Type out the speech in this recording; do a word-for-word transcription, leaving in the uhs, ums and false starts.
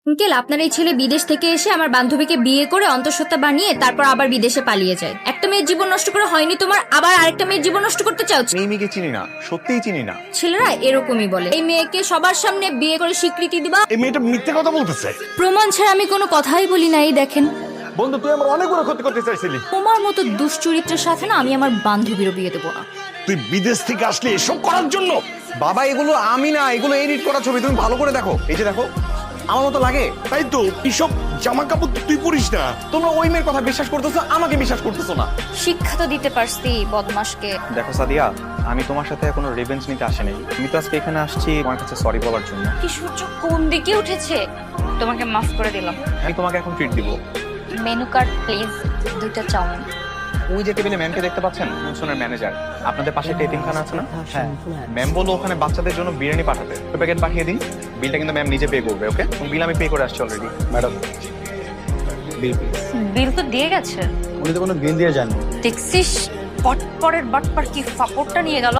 Uncle, আপনার এই ছেলে বিদেশ থেকে এসে আমার বান্ধবীকে বিয়ে করে অন্তঃসত্ত্বা বানিয়ে তারপর আবার বিদেশে পালিয়ে যায়। একটা মেয়ের জীবন নষ্ট করে হয়নি তোমার, আবার আরেকটা মেয়ের জীবন নষ্ট করতে চাও? এই মেয়েকে চিনি না, সত্যিই চিনি না। ছেলেরা এরকমই বলে। এই মেয়েকে সবার সামনে বিয়ে করে স্বীকৃতি দিবা? এই মেয়েটা মিথ্যে কথা বলতেছে। প্রমাণ ছাড়া আমি কোনো কথাই বলি না। এই দেখেন, বন্ধু, তুই আমার অনেক বড় ক্ষতি করতে চাইছিলি। তোমার মতো দুশ্চরিত্রের সাথে না আমি আমার বান্ধবীরও বিয়ে দেবো না। তুই বিদেশ থেকে আসলি এসব করার জন্য? বাবা, এগুলো আমি না, এগুলো এডিট করা ছবি। তুমি ভালো করে দেখো, এই যে দেখো, আমার মতো লাগে। তাই তো, এসব জামা কাপড় তুই পরিস না। তোমরা ওই মেয়ের কথা বিশ্বাস করতেছো, আমাকে বিশ্বাস করতেছো না। শিক্ষা তো দিতে পারছি বদমাশকে। দেখো সাদিয়া, আমি তোমার সাথে কোনো রিভেঞ্জ নিতে আসিনি। আমি তো আজকে এখানে আসছি তোমার কাছে সরি বলার জন্য। কি সূর্য কোন দিকে উঠেছে? তোমাকে মাফ করে দিলাম। আমি তোমাকে এখন ট্রিট দিব। মেনু কার্ড প্লিজ, দুইটা চাউমিন। ওই যে টেবিলে ম্যামকে দেখতে পাচ্ছেন, মিশনের ম্যানেজার। আপনাদের পাশে একটা এতিমখানা আছে না? হ্যাঁ। ম্যাম বললো ওখানে বাচ্চাদের জন্য বিরিয়ানি পাঠাতে। প্যাকেট পাঠিয়ে দিন। বিলটা কিন্তু ম্যাম নিজে পে করবে। ওকে? বিল আমি পে করে আসছি অলরেডি। ম্যাডাম, বিল বিল তো দিয়ে গেছে। উনি তো কোনো বিল দিয়ে যাননি। দেখছিস, পটপরের বাটপার কি ফাপড়টা নিয়ে গেল।